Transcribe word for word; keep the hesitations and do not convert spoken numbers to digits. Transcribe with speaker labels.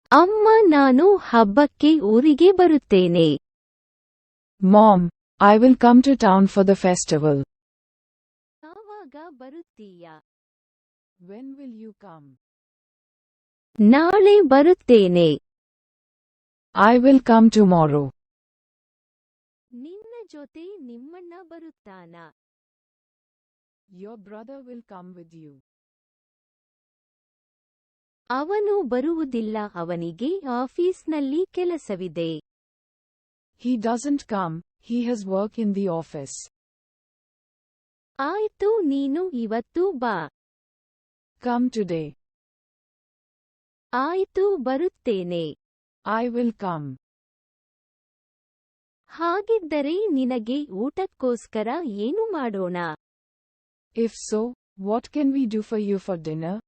Speaker 1: ಅಮ್ಮ ನಾನು ಹಬ್ಬಕ್ಕೆ ಊರಿಗೆ ಬರುತ್ತೇನೆ.
Speaker 2: Mom, I will come to town for the festival.
Speaker 1: ಯಾವಾಗ ಬರುತ್ತೀಯಾ?
Speaker 2: When will you come?
Speaker 1: ನಾಳೆ ಬರುತ್ತೇನೆ.
Speaker 2: I will come tomorrow.
Speaker 1: ನಿನ್ನ ಜೊತೆ ನಿಮ್ಮಣ್ಣ ಬರುತ್ತಾನಾ?
Speaker 2: Your brother will come with you.
Speaker 1: ಅವನು ಬರುವುದಿಲ್ಲ, ಅವನಿಗೆ ಆಫೀಸ್ನಲ್ಲಿ ಕೆಲಸವಿದೆ.
Speaker 2: He doesn't come, he has work in the office.
Speaker 1: ಆಯ್ತು, ನೀನು ಇವತ್ತು ಬಾ.
Speaker 2: Come today.
Speaker 1: ಆಯ್ತು, ಬರುತ್ತೇನೆ.
Speaker 2: I will come.
Speaker 1: ಹಾಗಿದ್ದರೆ ನಿನಗೆ ಊಟಕ್ಕೋಸ್ಕರ ಏನು ಮಾಡೋಣ?
Speaker 2: If so, what can we do for you for dinner?